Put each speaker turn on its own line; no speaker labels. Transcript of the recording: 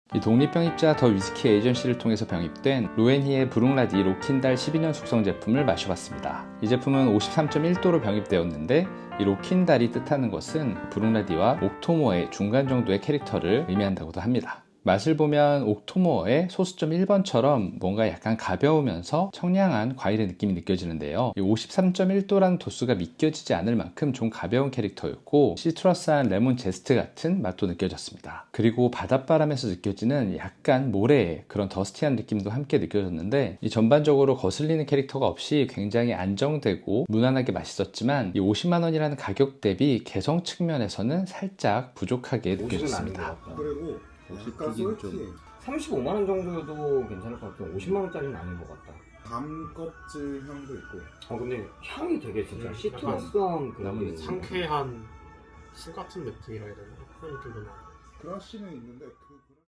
이 독립병입자 더 위스키 에이전시를 통해서 병입된 로엔히의 브룽라디 로킨달 12년 숙성 제품을 마셔봤습니다. 이 제품은 53.1도로 병입되었는데 이 로킨달이 뜻하는 것은 브룽라디와 옥토모어의 중간 정도의 캐릭터를 의미한다고도 합니다. 맛을 보면 옥토모어의 소수점 1번처럼 뭔가 약간 가벼우면서 청량한 과일의 느낌이 느껴지는데요. 53.1도라는 도수가 믿겨지지 않을 만큼 좀 가벼운 캐릭터였고 시트러스한 레몬 제스트 같은 맛도 느껴졌습니다. 그리고 바닷바람에서 느껴지는 약간 모래의 그런 더스티한 느낌도 함께 느껴졌는데 이 전반적으로 거슬리는 캐릭터가 없이 굉장히 안정되고 무난하게 맛있었지만 이 50만 원이라는 가격 대비 개성 측면에서는 살짝 부족하게 느껴졌습니다.
그리고 약간 솔티
35만 원 정도여도 괜찮을 것 같아요. 50만 원짜리는 아닌 것 같다.
밤 껍질 향도 있고.
근데 향이 되게 진짜
시트러스한
시트러스한 그
나머지
상쾌
상쾌한 술 같은 느낌이라 해야 되나? 그런 느낌도 나고.
브러쉬는 있는데